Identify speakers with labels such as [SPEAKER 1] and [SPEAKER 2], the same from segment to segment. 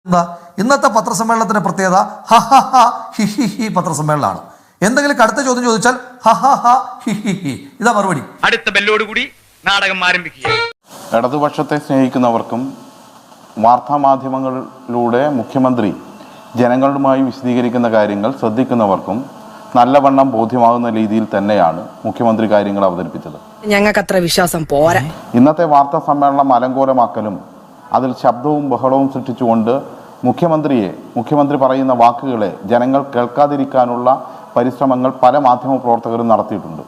[SPEAKER 1] ഇന്നത്തെ പത്രസമ്മേളനത്തിന്റെ പ്രത്യേകത ഹ ഹ ഹ ഹി ഹി ഹി പത്രസമ്മേളനമാണ്. എന്തെങ്കിലും കടുത്ത ചോദ്യം ചോദിച്ചാൽ ഹ ഹ ഹ ഹി ഹി ഹി ഇതാ മറുപടി.
[SPEAKER 2] അടുത്ത ബെല്ലോടുകൂടി നാടകം ആരംഭിക്കുക.
[SPEAKER 3] ഇടതുപക്ഷത്തെ സ്നേഹിക്കുന്നവർക്കും വാർത്താമാധ്യമങ്ങളിലൂടെ മുഖ്യമന്ത്രി ജനങ്ങളുമായി വിശദീകരിക്കുന്ന കാര്യങ്ങൾ ശ്രദ്ധിക്കുന്നവർക്കും നല്ലവണ്ണം ബോധ്യമാകുന്ന രീതിയിൽ തന്നെയാണ് മുഖ്യമന്ത്രി കാര്യങ്ങൾ അവതരിപ്പിച്ചത്.
[SPEAKER 4] ഞങ്ങൾക്ക് അത്ര വിശ്വാസം പോരാ.
[SPEAKER 3] ഇന്നത്തെ വാർത്താ സമ്മേളനം അലങ്കോലമാക്കലും അതിൽ ശബ്ദവും ബഹളവും സൃഷ്ടിച്ചുകൊണ്ട് മുഖ്യമന്ത്രി പറയുന്ന വാക്കുകളെ ജനങ്ങൾ കേൾക്കാതിരിക്കാനുള്ള പരിശ്രമങ്ങൾ പല മാധ്യമ പ്രവർത്തകരും നടത്തിയിട്ടുണ്ട്.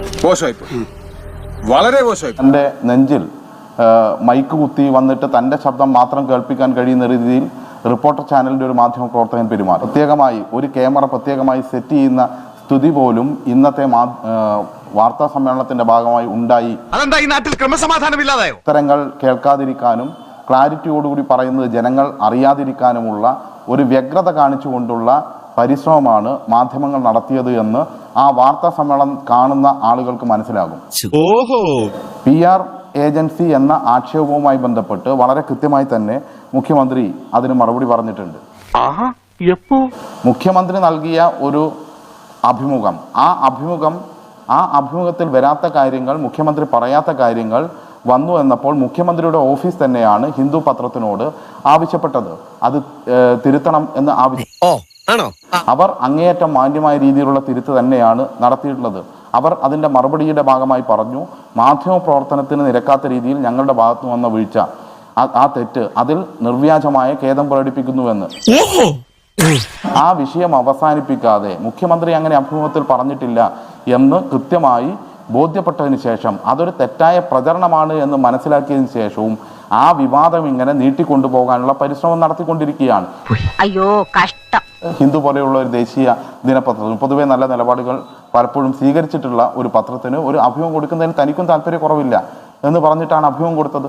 [SPEAKER 5] വളരെ മോശമായി.
[SPEAKER 3] തൻ്റെ നെഞ്ചിൽ മൈക്ക് കുത്തി വന്നിട്ട് തൻ്റെ ശബ്ദം മാത്രം കേൾപ്പിക്കാൻ കഴിയുന്ന രീതിയിൽ റിപ്പോർട്ടർ ചാനലിൻ്റെ ഒരു മാധ്യമ പ്രവർത്തകൻ പെരുമാറി. പ്രത്യേകമായി ഒരു ക്യാമറ പ്രത്യേകമായി സെറ്റ് ചെയ്യുന്ന സ്ഥിതി പോലും ഇന്നത്തെ വാർത്താ സമ്മേളനത്തിന്റെ ഭാഗമായി ഉണ്ടായി. ഉത്തരങ്ങൾ കേൾക്കാതിരിക്കാനും ക്ലാരിറ്റിയോടുകൂടി പറയുന്നത് ജനങ്ങൾ അറിയാതിരിക്കാനുമുള്ള ഒരു വ്യഗ്രത കാണിച്ചുകൊണ്ടുള്ള പരിശ്രമമാണ് മാധ്യമങ്ങൾ നടത്തിയത് എന്ന് ആ വാർത്താ സമ്മേളനം കാണുന്ന ആളുകൾക്ക് മനസ്സിലാകും. PR ഏജൻസി എന്ന ആക്ഷേപവുമായി ബന്ധപ്പെട്ട് വളരെ കൃത്യമായി തന്നെ മുഖ്യമന്ത്രി അതിന് മറുപടി പറഞ്ഞിട്ടുണ്ട്. മുഖ്യമന്ത്രി നൽകിയ ഒരു അഭിമുഖം, ആ അഭിമുഖത്തിൽ വരാത്ത കാര്യങ്ങൾ, മുഖ്യമന്ത്രി പറയാത്ത കാര്യങ്ങൾ വന്നു എന്നപ്പോൾ മുഖ്യമന്ത്രിയുടെ ഓഫീസ് തന്നെയാണ് ഹിന്ദു പത്രത്തിനോട് ആവശ്യപ്പെട്ടത്. അത് തിരുത്തണം എന്ന് അവർ അങ്ങേയറ്റം മാന്യമായ രീതിയിലുള്ള തിരുത്ത് തന്നെയാണ് നടത്തിയിട്ടുള്ളത്. അവർ അതിന്റെ മറുപടിയുടെ ഭാഗമായി പറഞ്ഞു, മാധ്യമ പ്രവർത്തനത്തിന് നിരക്കാത്ത രീതിയിൽ ഞങ്ങളുടെ ഭാഗത്ത് വന്ന വീഴ്ച, ആ തെറ്റ് അതിൽ നിർവ്യാജമായ ഖേദം പ്രകടിപ്പിക്കുന്നുവെന്ന്. ആ വിഷയം അവസാനിപ്പിക്കാതെ മുഖ്യമന്ത്രി അങ്ങനെ അഭിമുഖത്തിൽ പറഞ്ഞിട്ടില്ല എന്ന് കൃത്യമായി ബോധ്യപ്പെട്ടതിന് ശേഷം അതൊരു തെറ്റായ പ്രചരണമാണ് എന്ന് മനസ്സിലാക്കിയതിനു ശേഷവും ആ വിവാദം ഇങ്ങനെ നീട്ടിക്കൊണ്ടുപോകാനുള്ള പരിശ്രമം നടത്തിക്കൊണ്ടിരിക്കുകയാണ്.
[SPEAKER 6] അയ്യോ കഷ്ടം.
[SPEAKER 3] ഹിന്ദു പോലെയുള്ള ഒരു ദേശീയ ദിനപത്രത്തിന് പൊതുവെ നല്ല നിലപാടുകൾ പലപ്പോഴും സ്വീകരിച്ചിട്ടുള്ള ഒരു പത്രത്തിന് ഒരു അഭിമുഖം കൊടുക്കുന്നതിന് തനിക്കും താല്പര്യക്കുറവില്ല എന്ന് പറഞ്ഞിട്ടാണ് അഭിമുഖം കൊടുത്തത്.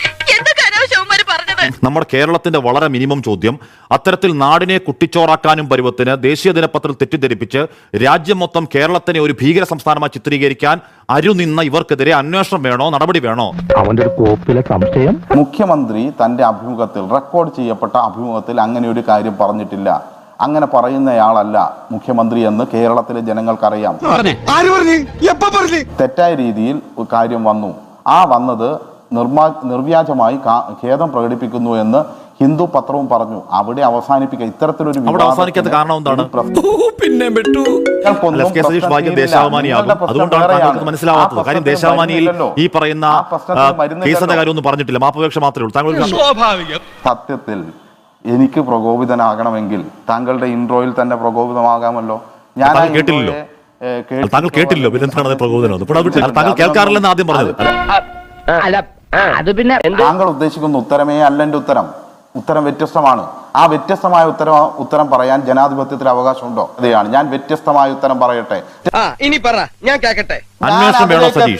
[SPEAKER 7] നമ്മുടെ കേരളത്തിന്റെ വളരെ മിനിമം ചോദ്യം, അത്തരത്തിൽ നാടിനെ കുട്ടിച്ചോറാക്കാനും പരുവത്തിന് ദേശീയ ദിനപത്രത്തിൽ തെറ്റിദ്ധരിപ്പിച്ച് രാജ്യം മൊത്തം കേരളത്തിനെ ഒരു ഭീകര സംസ്ഥാനമായി ചിത്രീകരിക്കാൻ അരുനിന്ന ഇവർക്കെതിരെ അന്വേഷണം വേണോ, നടപടി വേണോ? അവന്റെ ഒരു കോപ്പിലെ സംശയം.
[SPEAKER 3] മുഖ്യമന്ത്രി തന്റെ അഭിമുഖത്തിൽ, റെക്കോർഡ് ചെയ്യപ്പെട്ട അഭിമുഖത്തിൽ അങ്ങനെ ഒരു കാര്യം പറഞ്ഞിട്ടില്ല. അങ്ങനെ പറയുന്നയാളല്ല മുഖ്യമന്ത്രി എന്ന് കേരളത്തിലെ ജനങ്ങൾക്കറിയാം. തെറ്റായ രീതിയിൽ കാര്യം വന്നു. ആ വന്നത് നിർവ്യാജമായി ഖേദം പ്രകടിപ്പിക്കുന്നു എന്ന് ഹിന്ദു പത്രവും പറഞ്ഞു. അവിടെ അവസാനിപ്പിക്കുക. ഇത്തരത്തിലൊരു
[SPEAKER 7] ഈ പറയുന്ന പറഞ്ഞിട്ടില്ല, മാപ്പപേക്ഷ മാത്രമേ ഉള്ളൂ.
[SPEAKER 3] സത്യത്തിൽ എനിക്ക് പ്രകോപിതനാകണമെങ്കിൽ താങ്കളുടെ ഇൻട്രോയിൽ തന്നെ പ്രകോപിതമാകാമല്ലോ. ഞാൻ
[SPEAKER 7] കേട്ടില്ലല്ലോ, താങ്കൾ കേട്ടില്ലല്ലോ, പിന്നെ പ്രകോപനം താങ്കൾ കേൾക്കാറില്ലെന്ന് ആദ്യം പറഞ്ഞത്.
[SPEAKER 3] താങ്കൾ ഉദ്ദേശിക്കുന്ന ഉത്തരമേ അല്ല എന്റെ ഉത്തരം വ്യത്യസ്തമാണ്. ആ വ്യത്യസ്തമായ ഉത്തരം പറയാൻ ജനാധിപത്യത്തിൽ അവകാശമുണ്ടോ? അതെയാണ് ഞാൻ വ്യത്യസ്തമായ ഉത്തരം പറയട്ടെ.
[SPEAKER 2] ഇനി പറ, ഞാൻ കേൾക്കട്ടെ.
[SPEAKER 7] അന്വേഷണം വേണോ സതീഷ്?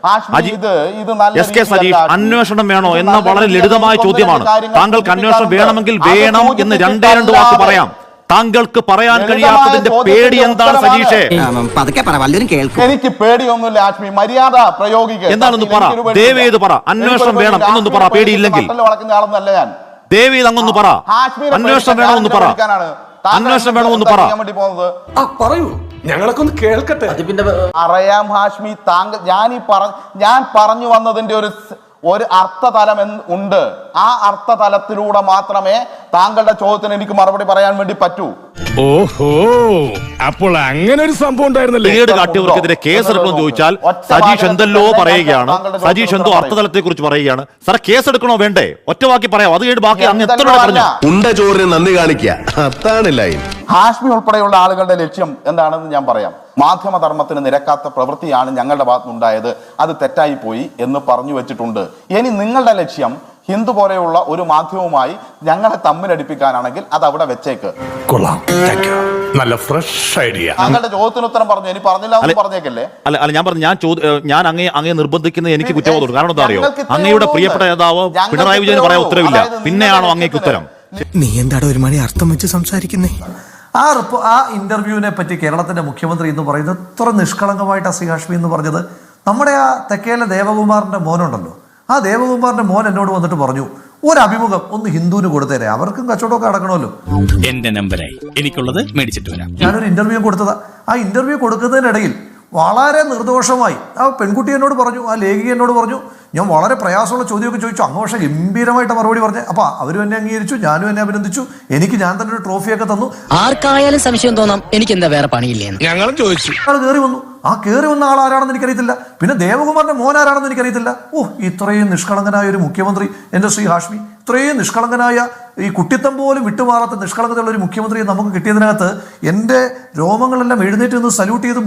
[SPEAKER 7] അന്വേഷണം വേണോ എന്ന വളരെ ലളിതമായ ചോദ്യമാണ്. താങ്കൾക്ക് അന്വേഷണം വേണമെങ്കിൽ വേണം എന്ന് രണ്ടേ രണ്ട് വാക്ക് പറയാം. താങ്കൾക്ക് പറയാൻ കഴിയാത്തതിന്റെ പേടി എന്താണ് സതീഷേ?
[SPEAKER 3] എനിക്ക് പേടിയൊന്നുമില്ല ആഷ്മി, മര്യാദ പ്രയോഗിക്കുക.
[SPEAKER 7] എന്താണെന്ന് പറ, ദയവേത് പറ. അന്വേഷണം വേണം എന്നൊന്ന് പറ, പേടിയില്ലെങ്കിൽ. ദയവേത് അങ്ങൊന്ന് പറ, അന്വേഷണം വേണമെന്ന് പറ. അന്വേഷണം വേണമെന്ന് പറ.
[SPEAKER 5] പറയൂ, ഞങ്ങളൊക്കെ ഒന്ന് കേൾക്കട്ടെ.
[SPEAKER 3] അറിയാം ഹാഷ്മി, താങ്കൾ ഞാൻ പറഞ്ഞു വന്നതിന്റെ ഒരു അർത്ഥതലം ഉണ്ട്. ആ അർത്ഥതലത്തിലൂടെ മാത്രമേ താങ്കളുടെ ചോദ്യത്തിന് എനിക്ക് മറുപടി പറയാൻ വേണ്ടി പറ്റൂ.
[SPEAKER 5] ഓഹോ, അപ്പോൾ അങ്ങനെ ഒരു സംഭവം ഉണ്ടായിരുന്നല്ലേ?
[SPEAKER 7] കാട്ടിയവർക്കെതിരെ കേസെടുക്കണമെന്ന് ചോദിച്ചാൽ സജീഷ് എന്തല്ലോ പറയുകയാണ്. സജീഷ് എന്തോ അർത്ഥതലത്തെ കുറിച്ച് പറയുകയാണ്. സാർ കേസെടുക്കണോ വേണ്ടേ? ഒറ്റവാക്കി പറയാം. അത് കഴിഞ്ഞ് ബാക്കി അങ്ങ് എത്ര പറഞ്ഞു.
[SPEAKER 8] ഉണ്ട ചോറിന് നന്ദി കാണിക്കുക.
[SPEAKER 3] ഹാഷ്മി ഉൾപ്പെടെയുള്ള ആളുകളുടെ ലക്ഷ്യം എന്താണെന്ന് ഞാൻ പറയാം. മാധ്യമധർമ്മത്തിന് നിരക്കാത്ത പ്രവൃത്തിയാണ് ഞങ്ങളുടെ ഭാഗത്തുനിന്നുണ്ടായത്, അത് തെറ്റായി പോയി എന്ന് പറഞ്ഞു വെച്ചിട്ടുണ്ട്. ഇനി നിങ്ങളുടെ ലക്ഷ്യം ഹിന്ദു പോലെയുള്ള ഒരു മാധ്യമവുമായി ഞങ്ങളെ തമ്മിലടിപ്പിക്കാനാണെങ്കിൽ അത് അവിടെ വെച്ചേക്ക്.
[SPEAKER 5] നല്ല ഫ്രഷ് ഐഡിയ.
[SPEAKER 3] താങ്കളുടെ ചോദ്യത്തിന് ഉത്തരം പറഞ്ഞു, ഇനി പറഞ്ഞില്ല എന്ന് പറഞ്ഞേക്കല്ലേ?
[SPEAKER 7] അല്ല, ഞാൻ പറഞ്ഞു, ഞാൻ അങ്ങേ നിർബന്ധിക്കുന്നത് എനിക്ക് കുറ്റബോധമുണ്ട്. കാരണം എന്താ അറിയോ, അങ്ങയുടെ പ്രിയപ്പെട്ട നേതാവ് പിണറായി വിജയൻ പറയാൻ ഉത്തരവില്ല, പിന്നെയാണോ അങ്ങേക്ക് ഉത്തരം?
[SPEAKER 9] നീ എന്താടോ ഒരു മണി അർത്ഥം വെച്ച് സംസാരിക്കുന്നേ?
[SPEAKER 1] ആ ഇന്റർവ്യൂവിനെ പറ്റി കേരളത്തിന്റെ മുഖ്യമന്ത്രി എന്ന് പറയുന്നത് ഇത്ര നിഷ്കളങ്കമായിട്ട് ശ്രീ ഹാഷ്മി എന്ന് പറഞ്ഞത്, നമ്മുടെ ആ തെക്കേലെ ദേവകുമാറിന്റെ മോനുണ്ടല്ലോ, ആ ദേവകുമാറിന്റെ മോൻ എന്നോട് വന്നിട്ട് പറഞ്ഞു, ഒരു അഭിമുഖം ഒന്ന് ഹിന്ദുവിന് കൊടുത്തേരെ, അവർക്കും കച്ചവടമൊക്കെ അടക്കണമല്ലോ.
[SPEAKER 5] എന്റെ നമ്പരായി എനിക്കുള്ളത് മേടിച്ചിട്ട് വരാം.
[SPEAKER 1] ഞാനൊരു ഇന്റർവ്യൂ കൊടുത്തതാ. ആ ഇന്റർവ്യൂ കൊടുക്കുന്നതിനിടയിൽ വളരെ നിർദോഷമായി ആ പെൺകുട്ടി എന്നോട് പറഞ്ഞു, ആ ലേഖിക എന്നോട് പറഞ്ഞു, ഞാൻ വളരെ പ്രയാസമുള്ള ചോദ്യമൊക്കെ ചോദിച്ചു. അങ്ങ് പക്ഷേ ഗംഭീരമായിട്ട് മറുപടി പറഞ്ഞു. അപ്പോൾ അവരും എന്നെ അംഗീകരിച്ചു, ഞാനും എന്നെ അഭിനന്ദിച്ചു. ഞാൻ തന്നെ ഒരു ട്രോഫിയൊക്കെ തന്നു.
[SPEAKER 4] ആർക്കായാലും സംശയം തോന്നാം എനിക്ക് എന്താ വേറെ പണിയില്ലേന്ന്.
[SPEAKER 5] ഞങ്ങളും ചോദിച്ചു.
[SPEAKER 1] ആൾ കയറി വന്നു. ആ കയറി വന്ന ആൾ ആരാണെന്ന് എനിക്കറിയത്തില്ല. പിന്നെ ദേവകുമാറിന്റെ മോൻ ആരാണെന്ന് എനിക്കറിയത്തില്ല. ഇത്രയും നിഷ്കളങ്കനായ ഒരു മുഖ്യമന്ത്രി, എൻ്റെ ശ്രീ ഹാഷ്മി, ഇത്രയും നിഷ്കളങ്കനായ, ഈ കുട്ടിത്തം പോലും വിട്ടുമാറാത്ത നിഷ്കളങ്കതയുള്ള ഒരു മുഖ്യമന്ത്രിയെ നമുക്ക് കിട്ടിയതിനകത്ത് എൻ്റെ രോമങ്ങളെല്ലാം എഴുന്നേറ്റ് നിന്ന് സല്യൂട്ട് ചെയ്ത്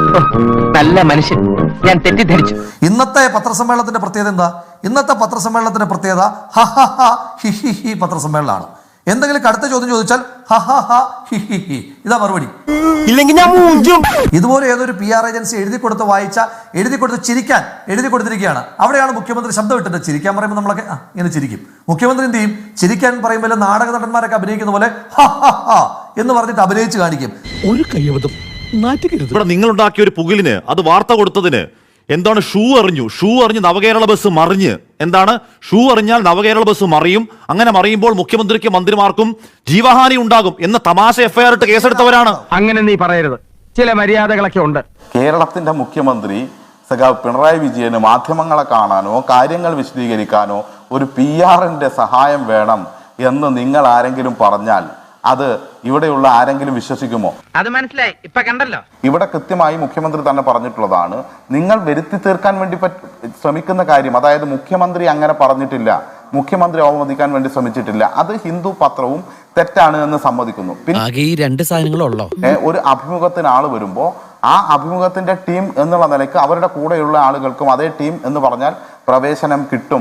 [SPEAKER 2] നല്ല മനുഷ്യൻ, ഞാൻ തെറ്റിദ്ധരിച്ചു.
[SPEAKER 1] ഇന്നത്തെ പത്രസമ്മേളനത്തിന്റെ പ്രത്യേകത എന്താ? ഇന്നത്തെ പത്രസമ്മേളനത്തിന്റെ പ്രത്യേകത ഹ ഹ ഹ ഹി ഹി ഹി പത്രസമ്മേളനമാണ്. എന്തെങ്കിലും കടുത്ത ചോദ്യം ചോദിച്ചാൽ ഹ ഹ ഹ ഹി ഹി ഹി, ഇതാ മറുപടി.
[SPEAKER 9] ഇല്ലെങ്കിൽ ഞാൻ മൂഞ്ചും.
[SPEAKER 1] ഇതുപോലെ ഏതൊരു PR ഏജൻസി എഴുതി കൊടുത്ത് ചിരിക്കാൻ എഴുതി കൊടുത്തിരിക്കുകയാണ്. അവിടെയാണ് മുഖ്യമന്ത്രി ശബ്ദം ഇട്ടിട്ട് ചിരിക്കാൻ പറയുമ്പോൾ നമ്മളൊക്കെ ഇങ്ങനെ ചിരിക്കും. മുഖ്യമന്ത്രി എന്ത് ചെയ്യും? ചിരിക്കാൻ പറയുമ്പോൾ നാടക നടന്മാരൊക്കെ അഭിനയിക്കുന്ന പോലെ ഹ ഹ ഹ എന്ന് പറഞ്ഞിട്ട് അഭിനയിച്ച് കാണിക്കും.
[SPEAKER 5] ഒരു കയ്യബദ്ധം നാറ്റുകരുത്.
[SPEAKER 7] ഇവിടെ നിങ്ങളുണ്ടാക്കിയ ഒരു പുകിലിന്, അത് വാർത്ത കൊടുത്തതിന് എന്താണ് ഷൂ അറിഞ്ഞ് നവകേരള ബസ് മറിഞ്ഞ്, എന്താണ് ഷൂ അറിഞ്ഞാൽ നവകേരള ബസ് മറിയും, അങ്ങനെ മറിയുമ്പോൾ മുഖ്യമന്ത്രിക്കും മന്ത്രിമാർക്കും ജീവഹാനി ഉണ്ടാകും എന്ന തമാശ FIR ഇട്ട് കേസെടുത്തവരാണ്.
[SPEAKER 2] അങ്ങനെ നീ പറയരുത്, ചില മര്യാദകളൊക്കെ ഉണ്ട്.
[SPEAKER 3] കേരളത്തിന്റെ മുഖ്യമന്ത്രി സഖാവ് പിണറായി വിജയന് മാധ്യമങ്ങളെ കാണാനോ കാര്യങ്ങൾ വിശദീകരിക്കാനോ ഒരു PR-ന്റെ സഹായം വേണം എന്ന് നിങ്ങൾ ആരെങ്കിലും പറഞ്ഞാൽ അത് ഇവിടെയുള്ള ആരെങ്കിലും വിശ്വസിക്കുമോ?
[SPEAKER 2] അത് മനസ്സിലായി, ഇപ്പൊ കണ്ടല്ലോ.
[SPEAKER 3] ഇവിടെ കൃത്യമായി മുഖ്യമന്ത്രി തന്നെ പറഞ്ഞിട്ടുള്ളതാണ്, നിങ്ങൾ വരുത്തി തീർക്കാൻ വേണ്ടി ശ്രമിക്കുന്ന കാര്യം, അതായത് മുഖ്യമന്ത്രി അങ്ങനെ പറഞ്ഞിട്ടില്ല, മുഖ്യമന്ത്രി അവമതിക്കാൻ വേണ്ടി ശ്രമിച്ചിട്ടില്ല, അത് ഹിന്ദു പത്രവും തെറ്റാണ് എന്ന് സമ്മതിക്കുന്നു.
[SPEAKER 9] ആകെ ഈ രണ്ട് സാധനങ്ങളുള്ളോ?
[SPEAKER 3] ഒരു അഭിമുഖത്തിന് ആള് വരുമ്പോ ആ അഭിമുഖത്തിന്റെ ടീം എന്നുള്ള നിലയ്ക്ക് അവരുടെ കൂടെയുള്ള ആളുകൾക്കും അതേ ടീം എന്ന് പറഞ്ഞാൽ പ്രവേശനം കിട്ടും.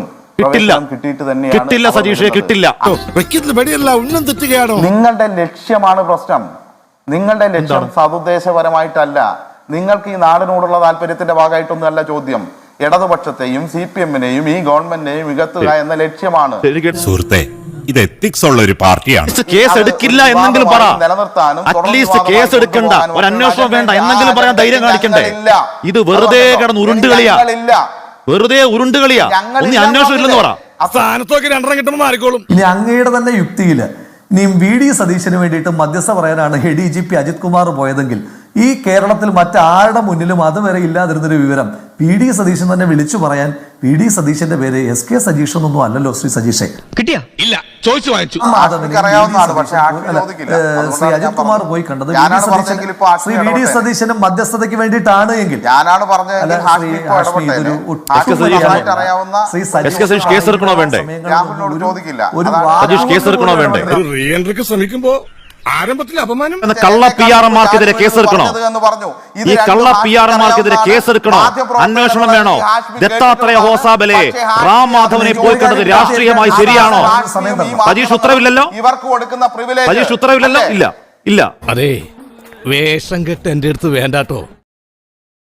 [SPEAKER 7] കിട്ടില്ല സതീഷേ, കിട്ടില്ല.
[SPEAKER 3] നിങ്ങളുടെ ലക്ഷ്യമാണ് പ്രശ്നം. നിങ്ങളുടെ ലക്ഷ്യം സതുദ്ദേശപരമായിട്ടല്ല. നിങ്ങൾക്ക് ഈ നാടിനോടുള്ള താല്പര്യത്തിന്റെ ഭാഗമായിട്ടൊന്നുമല്ല ചോദ്യം. ഇടതുപക്ഷത്തെയും CPM-നെയും ഈ ഗവൺമെന്റിനെയും മികത്തുക എന്ന ലക്ഷ്യമാണ്.
[SPEAKER 5] സുഹൃത്തെ, ഇത് എത്തിക്സ് ഉള്ള ഒരു പാർട്ടിയാണ്.
[SPEAKER 7] കേസ് എടുക്കില്ല എന്നെങ്കിലും പറ. അറ്റ്ലീസ്റ്റ് കേസ് എടുക്കണ്ട, ഒരു അന്വേഷണം വേണ്ട എന്നെങ്കിലും പറയാൻ ധൈര്യം കാണിക്കണ്ടേ? ഇത് വെറുതെ കിടന്ന് ഉരുണ്ടുകളിയാ, വെറുതെ ഉരുണ്ടുകളിയാ. ഒന്നും അന്വേഷണം ഇല്ലെന്ന് പറ.
[SPEAKER 5] സ്ഥാനത്തൊക്കെ രണ്ടെണ്ണം കിട്ടുമ്പോൾ മാറിക്കോളും.
[SPEAKER 1] ഇനി അങ്ങയുടെ തന്നെ യുക്തിയില് ഇനിയും VD സതീശന് വേണ്ടിയിട്ട് മധ്യസ്ഥ പറയാനാണ് ADGP അജിത് കുമാർ പോയതെങ്കിൽ ഈ കേരളത്തിൽ മറ്റാരുടെ മുന്നിലും അതുവരെ ഇല്ലാതിരുന്നൊരു വിവരം VD സതീശൻ തന്നെ വിളിച്ചു പറയാൻ VD സതീശന്റെ പേര് SK സതീഷ് എന്നൊന്നും അല്ലല്ലോ ശ്രീ സതീഷേ.
[SPEAKER 2] കിട്ടിയാ?
[SPEAKER 5] ഇല്ല, ചോദിച്ചു വാങ്ങിച്ചു.
[SPEAKER 1] ശ്രീ അജിത് കുമാർ പോയി കണ്ടത് ശ്രീ VD സതീശന്റെ മധ്യസ്ഥതയ്ക്ക് വേണ്ടിയിട്ടാണ് എങ്കിൽ
[SPEAKER 5] ശ്രമിക്കുമ്പോ ആരംഭത്തിൽ അപമാനം.
[SPEAKER 7] കള്ള PR-മാർക്കെതിരെ കേസെടുക്കണോ? ഈ കള്ള PR-മാർക്കെതിരെ കേസെടുക്കണോ? അന്വേഷണം വേണോ? ദത്താത്രേയ ഹോസാബലെ, റാം മാധവനെ പോയി കണ്ടത് രാഷ്ട്രീയമായി ശരിയാണോ? സതീഷ് ഉത്തരവില്ലല്ലോ, സതീഷ് ഉത്തരവില്ലല്ലോ. ഇല്ല ഇല്ല.
[SPEAKER 5] അതെ, വേഷം കെട്ട് എന്റെ അടുത്ത് വേണ്ടാട്ടോ.